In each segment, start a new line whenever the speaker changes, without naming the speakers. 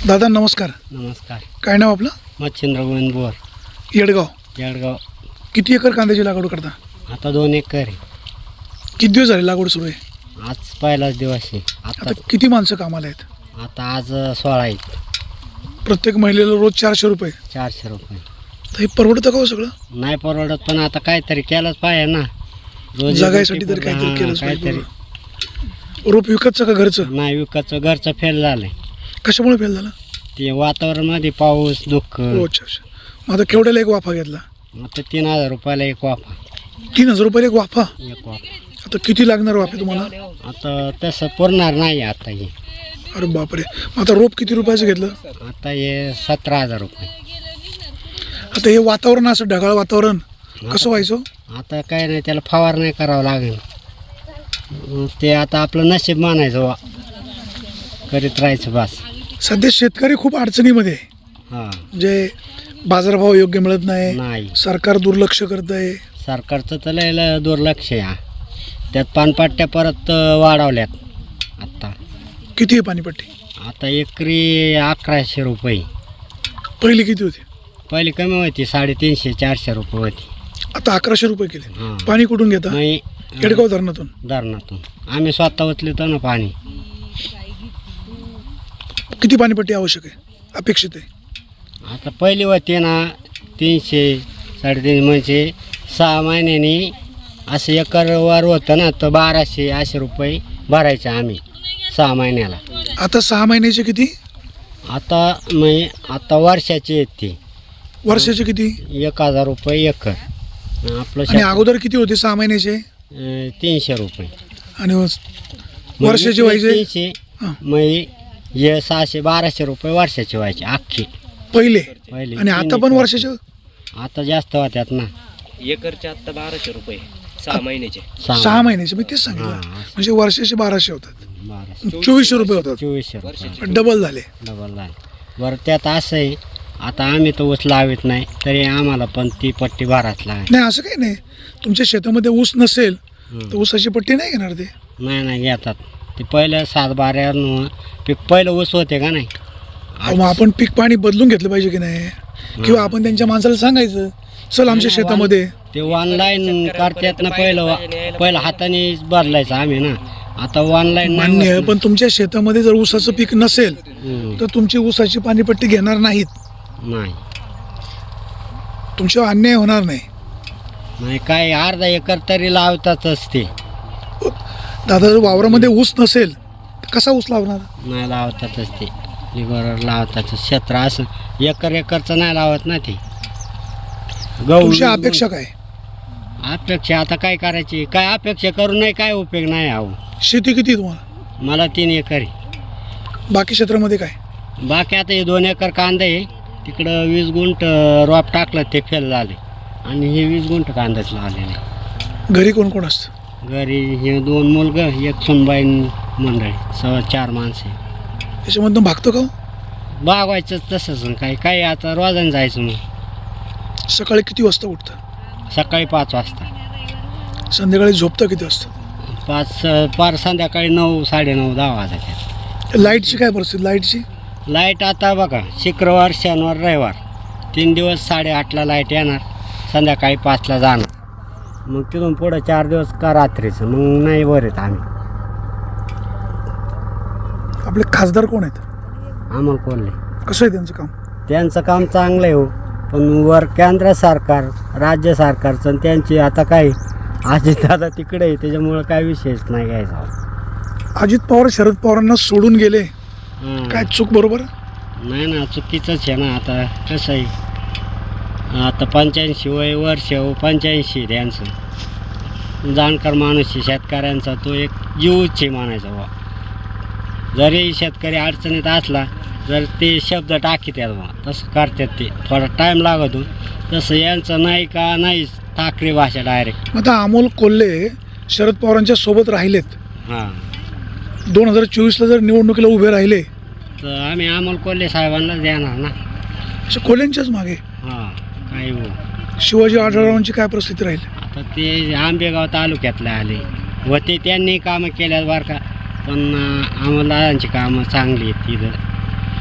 दादा नमस्कार.
नमस्कार.
काय नाव आपलं?
मच्छिंद्र गोविंद बोर,
येडगाव. किती एकर कांद्याची लागवड करता?
आता 2 एकर आहे.
किती दिवस झाले लागवड सुरू आहे?
आज पहिलाच दिवस आहे.
आता किती माणसं कामाला आहेत?
आता आज 16 आहेत.
प्रत्येक महिलेला रोज 400 रुपये.
400 रुपये.
तर हे परवडतं का हो सगळं?
नाही परवडत, पण आता काहीतरी केलंच पाहिजे ना.
जगायसाठी तरी काहीतरी केलंच पाहिजे. रोप विकतचं का घरचं?
नाही विकतचं, घरचं फेल झालंय.
कशामुळे फेल झालं?
ते वातावरणामध्ये पाऊस दुःख.
अच्छा. मग आता केवढ्याला एक वाफा घेतला?
आता 3000 रुपयाला एक वाफा.
3000 रुपये एक वाफा?
एक वाफा.
आता किती लागणार वाफे तुम्हाला?
आता तसं पुरणार नाही आता हे.
अरे बापरे. मग आता रोप किती रुपयाचं घेतलं?
आता हे 17000 रुपये.
आता हे वातावरण असं ढगाळ वातावरण कसं व्हायचं?
आता काय नाही, त्याला फवारणी करावं लागेल. ते आता आपलं नशीब मानायचं वा, करीत राहायचं बस.
सध्या शेतकरी खूप अडचणीमध्ये आहे.
हां.
म्हणजे बाजारभाव योग्य मिळत नाही,
नाही.
सरकार दुर्लक्ष करत आहे.
सरकारचं तर लय दुर्लक्ष आहे. त्यात पानपट्ट्या परत वाढवल्यात आत्ता.
किती आहे पाणीपट्टी?
आता एकरी 1100 रुपये.
पहिली किती होती?
पहिली कमी होती, 350-400 रुपये होती.
आता 1100 रुपये केले.
हां.
पाणी कुठून घेता?
नाही,
येडगाव धरणातून.
धरणातून आम्ही स्वतः उचलतो ना पाणी.
किती पाणीपट्टी आवश्यक आहे, अपेक्षित आहे?
आता पहिली होती ना 300-350, म्हणजे 6 महिन्यांनी असं एकरवर होतं ना, तर 1200 असे रुपये भरायचे आम्ही 6 महिन्याला.
आता 6 महिन्याचे किती?
आता वर्षाचे आहेत ते.
वर्षाचे किती?
1000 रुपये एकर. आपलं
आणि अगोदर किती होते 6 महिन्याचे?
300 रुपये.
आणि वर्षाचे व्हायचे
300.
हां.
मग हे 600-1200 रुपये वर्षाचे व्हायचे अख्खे
पहिले.
पहिले.
आणि आता पण वर्षाचे?
आता जास्त होत्यात ना.
एकरचे आता 1200 रुपये 6 महिन्याचे.
6 महिन्याचे मी तेच सांगितलं.
हां.
म्हणजे वर्षाचे 1200 होतात.
1200.
2400 रुपये होतात.
2400 रुपये
डबल झाले.
डबल झाले. बरं त्यात असं आहे, आता आम्ही तर ऊस लावित नाही, तरी आम्हाला पण ती पट्टी भराच लागेल.
नाही असं काही नाही. तुमच्या शेतामध्ये ऊस नसेल तर ऊसाची पट्टी नाही घेणार ते?
नाही घेतात. ते पहिलं 7-12 पीक पहिलं ऊस होते का नाही.
मग आपण पीक पाणी बदलून घेतलं पाहिजे की नाही? किंवा आपण त्यांच्या माणसाला सांगायचं, चल आमच्या शेतामध्ये.
ते ऑनलाईन करतात ना. पहिलं हाताने बदलायचं आम्ही ना. आता ऑनलाईन
मान्य आहे, पण तुमच्या शेतामध्ये जर ऊसाचं पीक नसेल तर तुमची ऊसाची पाणीपट्टी घेणार नाहीत.
नाही.
तुमच्यावर अन्याय होणार नाही.
नाही काय, अर्धा एकर तरी लावतातच ते.
दादा जर वावरामध्ये ऊस नसेल तर कसा ऊस लावणार?
नाही लावतातच ते. लिगोर लावतातच. क्षेत्र असं एकरचं नाही लावत ना ते.
तुमची अपेक्षा काय?
अपेक्षा आता काय करायची, काय अपेक्षा करून नाही काय उपयोग नाही. अहो
शेती किती आहे तुम्हाला?
मला 3 एकर आहे.
बाकी क्षेत्रामध्ये काय?
बाकी आता हे 2 एकर कांदा आहे. तिकडं 20 गुंठ रोप टाकलं, ते फेल झाले. आणि हे 20 गुंठ कांदाच लावलेलं आहे.
घरी कोण कोण असतं?
घरी हे 2 मुलगं, एक सुनबाई मंडळी, 4 माणसं.
याच्यामधून भागतो का?
बागवायचं तसंच. काही आता रोजानं जायचं. मग
सकाळी किती वाजता उठतं?
सकाळी 5 वाजता.
संध्याकाळी झोपतं किती वाजता?
5 पार संध्याकाळी 9, 9:30, 10 वाजता.
लाईटची काय परिस्थिती? लाईटची
लाईट आता बघा, शुक्रवार, शनिवार, रविवार 3 दिवस 8:30ला लाईट येणार, संध्याकाळी 5ला जाणार. मग तिथून पुढं 4 दिवस का रात्रीचं, मग नाही वर येत आम्ही.
आपले खासदार कोण आहेत?
अमोल कोल्हे.
कसं आहे त्यांचं काम?
त्यांचं काम चांगलं आहे हो, पण वर केंद्र सरकार, राज्य सरकारचं आणि त्यांची आता काय अजितदादा तिकडे आहे, त्याच्यामुळं काय विषयच नाही घ्यायचा.
अजित पवार शरद पवारांना सोडून गेले,
हां.
काय चूक बरोबर?
नाही ना, चुकीचंच आहे ना. आता कसं आहे, आता 85 वय वर्ष, 85 त्यांचं. जाणकार माणूस आहे शेतकऱ्यांचा, तो एक जीवच आहे म्हणायचा बा. जरी शेतकरी अडचणीत असला, जर ते शब्द टाकीतात बा, तसं करतात ते. थोडा टाईम लागतो. तसं यांचं नाही का नाही, ठाकरे भाषा डायरेक्ट.
आता अमोल कोल्हे शरद पवारांच्या सोबत राहिलेत.
हां.
2024ला जर निवडणुकीला उभे राहिले
तर आम्ही अमोल कोल्हे साहेबांनाच देणार ना.
अशा कोल्ह्यांच्याच मागे.
हां. काय हो,
शिवाजी आढळरावांची काय परिस्थिती राहील?
आता ते आंबेगाव तालुक्यातले आले होते, त्यांनी कामं केल्यात बरं का, पण आम्हाला कामं चांगली आहेत तिथं.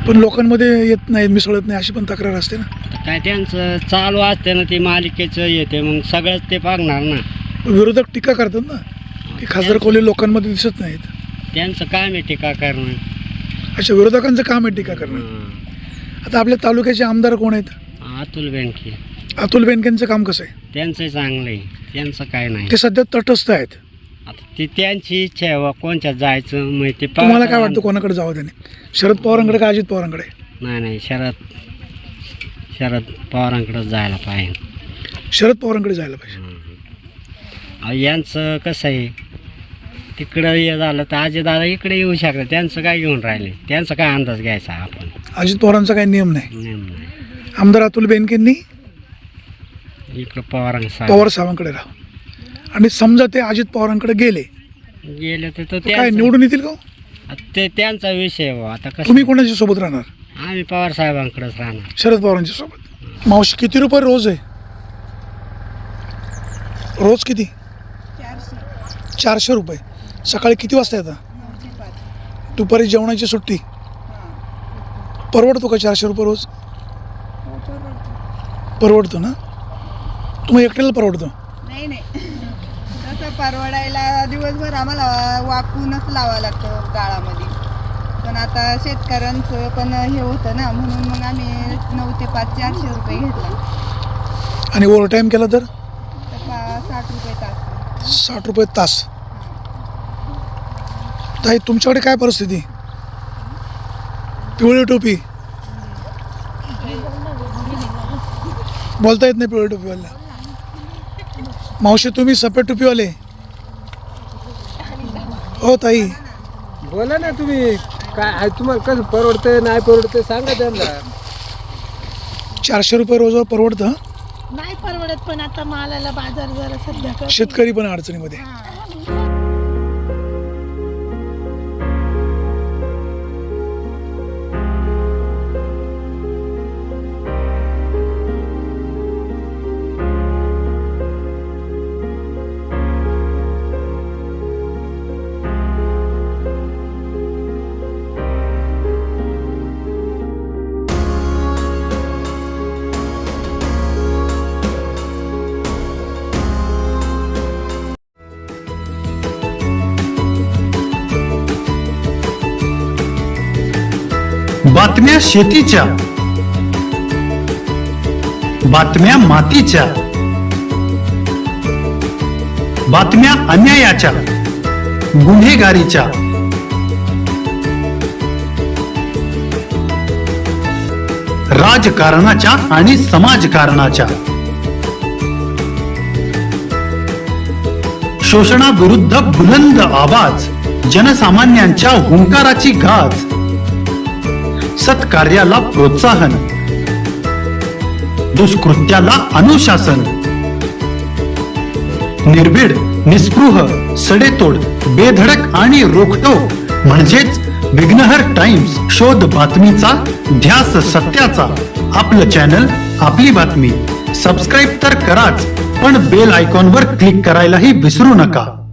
पण लोकांमध्ये येत नाही, मिसळत नाही, अशी पण तक्रार असते ना.
आता काय त्यांचं चालू असते ना, ते मालिकेचं येते, मग सगळंच ते पागणार ना.
विरोधक टीका करतात ना की खासदार कोल्हे लोकांमध्ये दिसत नाहीत.
त्यांचं काम आहे टीका करणं.
अशा विरोधकांचं काम आहे टीका करणं.
हां.
आता आपल्या तालुक्याचे आमदार कोण आहेत?
अतुल बेनके.
अतुल बेनकेंचं काम कसं आहे?
त्यांचं चांगलं आहे, त्यांचं काय नाही.
ते सध्या तटस्थ आहेत.
आता ती त्यांची इच्छा आहे बा, कोणच्यात जायचं मग ते
तुम्हाला काय वाटतं कोणाकडे जावं त्याने? शरद पवारांकडे का अजित पवारांकडे?
नाही शरद पवारांकडे जायला पाहिजे.
शरद पवारांकडे जायला पाहिजे.
अहो, यांचं कसं आहे, तिकडं हे झालं तर अजितदादा इकडे येऊ शकतात. त्यांचं काय घेऊन राहिले, त्यांचा काय अंदाज घ्यायचा आपण?
अजित पवारांचा काही नियम नाही.
नेम नाही.
आमदार अतुल बेनकेंनी
इकडं पवारांचा
पवार साहेबांकडे राहा, आणि समजा ते अजित पवारांकडे गेले
गेले तर
तर काय निवडून येतील का?
ते त्यांचा विषय आहे बा. आता कसं
तुम्ही कोणाच्या सोबत राहणार?
आम्ही पवार साहेबांकडेच राहणार.
शरद पवारांच्या सोबत. मावशी, किती रुपये रोज आहे? रोज किती? 400 रुपये. सकाळी किती वाजता येतात? दुपारी जेवणाची सुट्टी. परवडतो का 400 रुपये रोज? परवडतो ना? तुम्ही एकट्याला परवडतो?
नाही तसं परवडायला दिवसभर आम्हाला वाकूनच लावावं लागतं गाळामध्ये. पण आता शेतकऱ्यांचं पण हे होतं ना, म्हणून मग आम्ही 9 ते 5 400 रुपये घेतला.
आणि ओव्हर टाईम केला तर
60 रुपये तास.
60 रुपये तास. ताई, तुमच्याकडे काय परिस्थिती? पिवळी टोपी बोलता येत नाही. पिवळी टोपीवाला. मावशी, तुम्ही सफेद टोपीवाले. हो ताई,
बोला ना तुम्ही, काय आहे तुम्हाला कसं परवडतं नाही परवडतं सांगा त्यांना.
400 रुपये रोजवर परवडतं?
नाही परवडत, पण आता मालाला बाजार जरा सध्या कमी.
शेतकरी पण अडचणीमध्ये.
बातम्या शेतीच्या, बातम्या मातीच्या, बातम्या अन्यायाच्या, गुन्हेगारीच्या, राजकारणाच्या आणि समाजकारणाच्या, शोषणाविरुद्ध बुलंद आवाज, जनसामान्यांच्या हुंकाराची गाज, सत्कार्याला प्रोत्साहन, दुष्कृत्याला अनुशासन, निर्भीड, निस्पृह, सडेतोड, बेधडक आणि रोखटोक म्हणजेच विघ्नहर टाइम्स. शोध बातमीचा, ध्यास सत्याचा. आपलं चॅनल, आपली बातमी. सबस्क्राईब तर कराच, पण बेल आयकॉनवर क्लिक करायलाही विसरू नका.